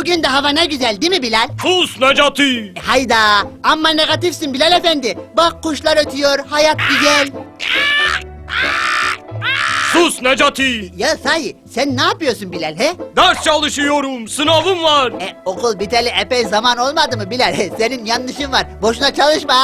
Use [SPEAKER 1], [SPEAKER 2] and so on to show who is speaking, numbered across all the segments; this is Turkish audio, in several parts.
[SPEAKER 1] Bugün de hava ne güzel değil mi Bilal?
[SPEAKER 2] Sus Necati!
[SPEAKER 1] Hayda, amma negatifsin Bilal efendi. Bak kuşlar ötüyor, hayat güzel.
[SPEAKER 2] Sus Necati!
[SPEAKER 1] Ya sahi, sen ne yapıyorsun Bilal he?
[SPEAKER 2] Ders çalışıyorum, sınavım var.
[SPEAKER 1] Okul biteli epey zaman olmadı mı Bilal? Senin yanlışın var, boşuna çalışma.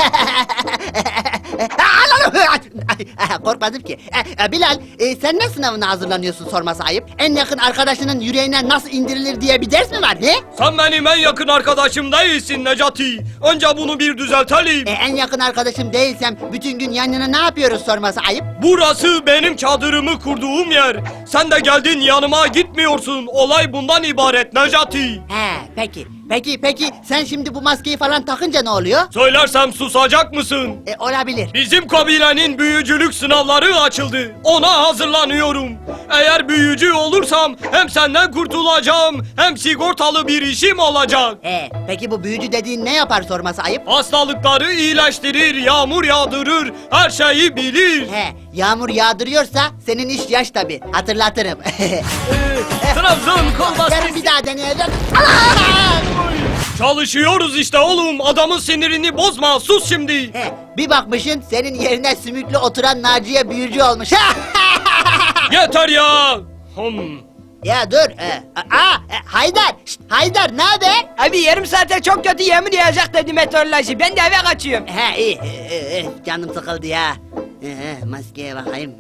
[SPEAKER 1] Korkmadım ki. Bilal, sen ne sınavına hazırlanıyorsun sorması ayıp? En yakın arkadaşının yüreğine nasıl indirilir diye bir ders mi var he?
[SPEAKER 2] Sen benim en yakın arkadaşım değilsin Necati. Önce bunu bir düzeltelim.
[SPEAKER 1] En yakın arkadaşım değilsem bütün gün yan yana ne yapıyoruz sorması ayıp?
[SPEAKER 2] Burası benim çadırımı kurduğum yer. Sen de geldin yanıma gitmiyorsun. Olay bundan ibaret Necati.
[SPEAKER 1] Peki. Peki sen şimdi bu maskeyi falan takınca ne oluyor?
[SPEAKER 2] Söylersem susacak mısın?
[SPEAKER 1] Olabilir.
[SPEAKER 2] Bizim kabilenin büyücülük sınavları açıldı. Ona hazırlanıyorum. Eğer büyücü olursam hem senden kurtulacağım hem sigortalı bir işim olacak.
[SPEAKER 1] Peki bu büyücü dediğin ne yapar sorması ayıp?
[SPEAKER 2] Hastalıkları iyileştirir, yağmur yağdırır, her şeyi bilir.
[SPEAKER 1] Yağmur yağdırıyorsa senin iş yaş tabi. Hatırlatırım.
[SPEAKER 2] Trabzon kolbastası.
[SPEAKER 1] Yarın bir daha deneyeceğim.
[SPEAKER 2] Çalışıyoruz işte oğlum. Adamın sinirini bozma. Sus şimdi.
[SPEAKER 1] Bir bakmışın senin yerine sümüklü oturan Naciye büyücü olmuş.
[SPEAKER 2] Yeter ya.
[SPEAKER 1] Ya dur. Haydar. Haydar ne haber?
[SPEAKER 3] Abi yarım saate çok kötü yağmur yağacak dedi meteoroloji. Ben de eve kaçıyorum.
[SPEAKER 1] İyi. Canım sıkıldı ya. Maskeye bakayım.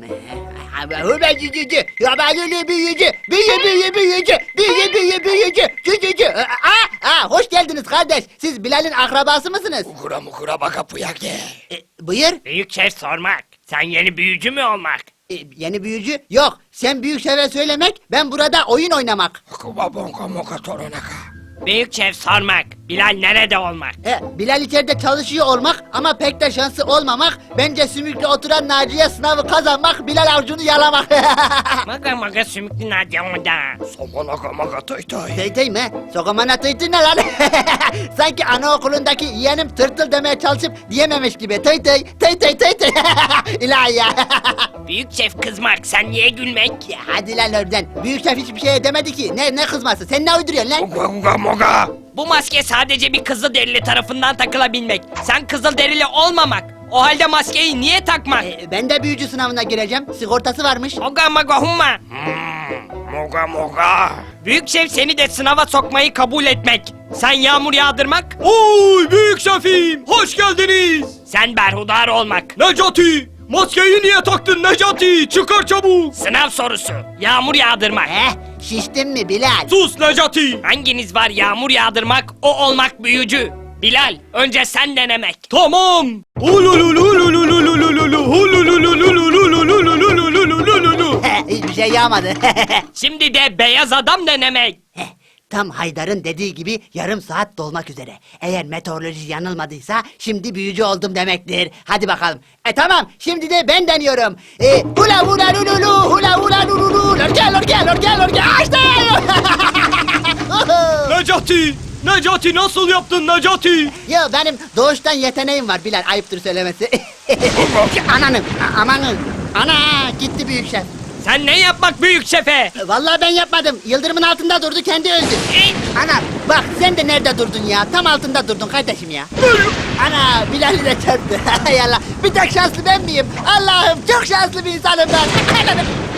[SPEAKER 1] Büyücü. Hoş geldiniz kardeş. Siz Bilal'in akrabası mısınız?
[SPEAKER 4] Mukura baka puyake.
[SPEAKER 1] Buyur.
[SPEAKER 4] Büyük şef sormak. Sen yeni büyücü mü olmak?
[SPEAKER 1] Yeni büyücü? Yok. Sen büyük şefe söylemek, ben burada oyun oynamak.
[SPEAKER 4] Kuba bonka moka toronaka.
[SPEAKER 3] Büyük şef sormak. Bilal nerede olmak?
[SPEAKER 1] Bilal içeride çalışıyor olmak ama pek de şansı olmamak. Bence sümüklü oturan Naciye sınavı kazanmak, Bilal avcunu yalamak.
[SPEAKER 3] Maga sümüklü Nadia onda.
[SPEAKER 4] Somonaka maka toy toy.
[SPEAKER 1] Teytey mi? Sokamana teytey ne lan? Sanki anaokulundaki yeğenim tırtıl demeye çalışıp diyememiş gibi. Teytey. İlahi ya.
[SPEAKER 3] Büyük şef kızmak. Sen niye gülmek?
[SPEAKER 1] Ya hadi lan oradan. Büyük şef hiçbir şeye demedi ki. Ne kızması? Sen ne uyduruyorsun lan?
[SPEAKER 4] Kuga moga.
[SPEAKER 3] Bu maske sadece bir kızılderili tarafından takılabilmek. Sen kızılderili olmamak. O halde maskeyi niye takmak?
[SPEAKER 1] Ben de büyücü sınavına gireceğim. Sigortası varmış.
[SPEAKER 3] Oga maga humma.
[SPEAKER 4] Moga.
[SPEAKER 3] Büyük şef seni de sınava sokmayı kabul etmek. Sen yağmur yağdırmak.
[SPEAKER 2] Oy büyük şefim. Hoş geldiniz.
[SPEAKER 3] Sen berhudar olmak.
[SPEAKER 2] Necati. Maskeyi niye taktın Necati? Çıkar çabuk.
[SPEAKER 3] Sınav sorusu. Yağmur yağdırmak.
[SPEAKER 1] Şiştin mi Bilal?
[SPEAKER 2] Sus Necati.
[SPEAKER 3] Hanginiz var yağmur yağdırmak, o olmak büyücü? Bilal, önce sen denemek.
[SPEAKER 2] Tamam.
[SPEAKER 1] Hiçbir şey yağmadı.
[SPEAKER 3] Şimdi de beyaz adam denemek.
[SPEAKER 1] Tam Haydar'ın dediği gibi yarım saat dolmak üzere. Eğer meteoroloji yanılmadıysa şimdi büyücü oldum demektir. Hadi bakalım. Tamam şimdi de ben deniyorum. Hula hula lululu hula hula lululu lorke açtı.
[SPEAKER 2] Necati nasıl yaptın Necati?
[SPEAKER 1] Ya benim doğuştan yeteneğim var Bilal, ayıptır söylemesi. Amanın. Ana gitti büyük şef.
[SPEAKER 3] Sen ne yapmak büyük şefe?
[SPEAKER 1] Vallahi ben yapmadım. Yıldırımın altında durdu, kendi öldü. Ana bak sen de nerede durdun ya? Tam altında durdun kardeşim ya. Ana Bilal'i de çarptı. Hay Allah. Bir tek şanslı ben miyim? Allah'ım çok şanslı bir insanım ben.